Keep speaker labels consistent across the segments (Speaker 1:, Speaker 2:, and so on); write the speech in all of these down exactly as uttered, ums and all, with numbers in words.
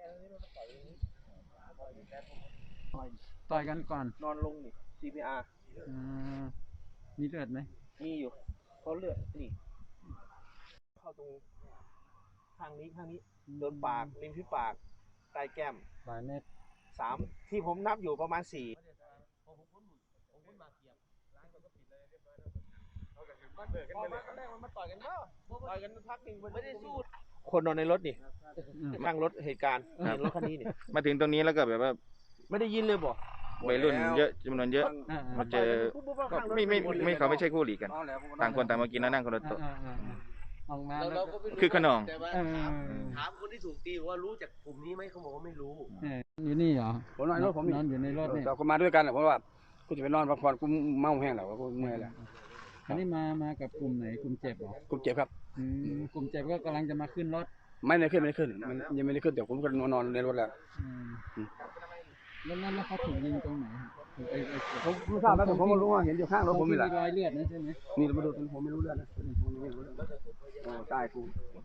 Speaker 1: ต่อยกันก่อน
Speaker 2: นอนลงนี่ ซี พี อาร์
Speaker 1: มีเลือดไหม
Speaker 2: มีอยู่เขาเลือดนี่เข้าตรงข้างนี้ข้างนี้โดนปากริมฝีปากใต้แก้ม
Speaker 1: หลายเม็ด
Speaker 2: สามที่ผมนับอยู่ประมาณสี่คนนอนในรถนี่ข้างรถเหตุการณ์เห็นรถคันนี้นี่
Speaker 3: มาถึงตรงนี้แล้วก็แบบว่า
Speaker 2: ไม่ได้ยินเลยบอก
Speaker 3: วัยรุ่นเยอะจำนวนเยอะมาเจอก็ไม่ไม่ไม่เขาไม่ใช่คู่หลีกันต่างคนต่างมากินแล้วนั่งคนละโต๊ะคือขนอง
Speaker 2: ถามคนที่ถูกตีว่ารู้จักกลุ่มนี้ไหมเขาบอกว่าไม่รู้
Speaker 1: อยู่นี่เหรอ
Speaker 4: ผมนอนรถผม
Speaker 1: นอนอยู่ในรถนี่
Speaker 4: เราก็มาด้วยกันแหละเพราะว่ากูจะไปนอนพักผ่อนกูเมาแห้งแล้วกูเมื่อยแล้ว
Speaker 1: อันนี้มามากับกลุ่มไหนกลุ่มเจ็บหร
Speaker 4: อกลุ่มเจ็บครับ
Speaker 1: กลุ่มเจ็บก็กำลังจะมาขึ้นรถ
Speaker 4: ไม่ได้ขึ้นไม่ได้ขึ้นมันยังไม่ได้ขึ้นแต่ผมก็นอนในรถแล้ว
Speaker 1: แล้วนั่นแล้วเขาถูกยิงตรงไหน
Speaker 4: ผมไม่ทราบนะแต่ผมไม่รู้ว่าเห็นอยู่ข้างรถผมนี่แหละ
Speaker 1: รอยเลือดนะใช่ไหม
Speaker 4: นี่เรามาดูผมไม่รู้เลือดนะผมไม่รู้เลือดโอ้ใช่กู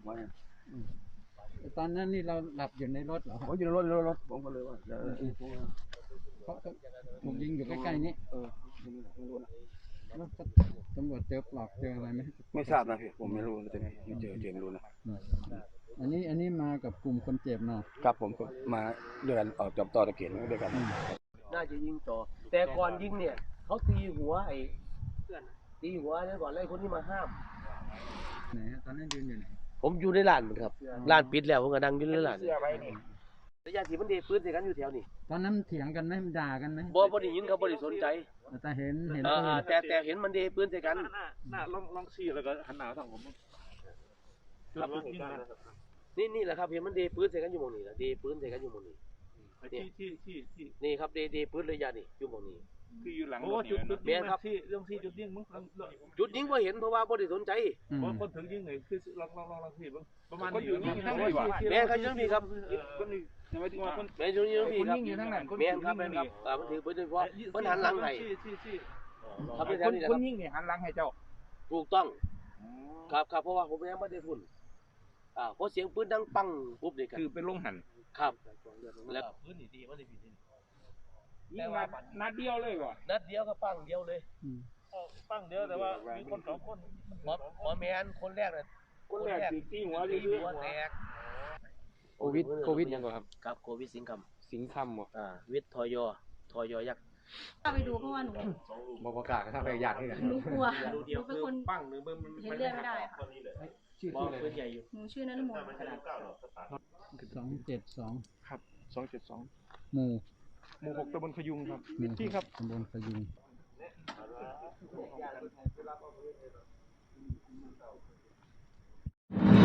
Speaker 1: ตอนนั้นนี่เราหลับอยู่ในรถเหรอ
Speaker 4: ผมอยู่ในรถในรถผมก็เลยว่า
Speaker 1: เขาถูกยิงอยู่ใกล้ๆนี้
Speaker 4: เออ
Speaker 1: แล้วตำรวจเจอปลอกเจออะไรไหม
Speaker 4: ไม่ทราบนะพี่ผมไม่รู้จะไม่เจอเจอไม่รู้นะ
Speaker 1: อันนี้อันนี้มากับกลุ่มคนเจ็บเนาะ
Speaker 4: ครับผมก็มาด้วยกันออกจับต่อตะเกียบด้วยกัน
Speaker 2: น่าจะยิงต่อแต่ก่อนยิงเนี่ยเขาตีหัวไอ้ตีหัวแล้วก่อนไล่คนที่มาห้าม
Speaker 1: ไหนตอนนั้นยืนอยู่ไหน
Speaker 2: ผมอยู่ในร้านครับร้านปิดแล้วผมก็นั่งอยู่ในร้านระยะที่มันเดปืนใส่กันอยู่แถวนี้
Speaker 1: ตอนนั้นเถียงกันไหมด่ากันไหม
Speaker 2: บ่บ่ได้ยินเขาบ่ได้สนใจ
Speaker 1: แต่เห็นเห็น
Speaker 2: แต่แต่เห็นมันเดปืนใส่กัน
Speaker 4: น่าลองลองชี้แล้วก็หันหน้าทางผม
Speaker 2: นี่นี่แหละครับเห็นมันเดปืนใส่กันอยู่หม้องนี้ละเดปืนใส่กันอยู่หม้องนี้
Speaker 4: ที่ที่ที่ที่
Speaker 2: นี่ครับเดเดปืนระยะนี่อยู่หม้องนี้
Speaker 4: คืออยู่หลังโอ้จุดจุดยิงที่เรื่องที่จุดยิงมึง
Speaker 2: จุดยิงว่าเห็นเพราะว่าบ่ได้สนใจ
Speaker 4: เพราะคนถึงยิงเลยคือลองลองลองลองที่ประมาณนี้ทั้งนี้ว่ะ
Speaker 2: แม่เขายังมีครับ
Speaker 4: คนนี้ยังไม่ถึงว่าคน
Speaker 2: แม่ยังมีครับยิงอยู่ทั้งนั้นแม่ครับแม่ครับอ่ามันถือปืนโดยเฉพาะมันหันหลังให้
Speaker 4: ครับคนคนยิงนี่หันหลังให้เจ้า
Speaker 2: ถูกต้องครับครับเพราะว่าผมยังไม่ได้พุ่นอ่าพอเสียงปืนดังปังปุ๊บนี่
Speaker 4: คือเป็นลงหัน
Speaker 2: ครับแล้วปืนนี่ดีว่าได้ผิดนี่
Speaker 4: ยิงนัดนัดเดียวเลยว่ะ
Speaker 2: นัดเดียวก็ปังเดียวเลย
Speaker 4: ปังเดียวแต่ว่ามีคนสองคน
Speaker 2: หมอหมอแมนคนแรกเลย
Speaker 4: คนแรกตีหัว
Speaker 2: ตีหัวแตก
Speaker 4: โควิดโควิดยังไงครับ
Speaker 2: ครับโควิดสิงคำ
Speaker 4: สิงคำบ่
Speaker 2: อ่าวิทย์ทอยอทอยอยักษ์
Speaker 5: ถ้าไปดูเพราะว่าหนู
Speaker 4: บประกาศถ้าไปอยากให้กัน
Speaker 5: หนูกลัวหนูเป็นคน
Speaker 2: ปังหรือมัน
Speaker 5: เห็นเลือดไม่ได้ค่ะ
Speaker 4: ชื่ออะไร
Speaker 2: ใหญ่อยู่
Speaker 5: หนูชื่อนฤมล
Speaker 1: สองเจ็ดสอง
Speaker 4: ครับสองเจ็ดสอง
Speaker 1: หมู่
Speaker 4: หมู่หกตำบลขยุงครับที่ครับ
Speaker 1: ตำบลขยุง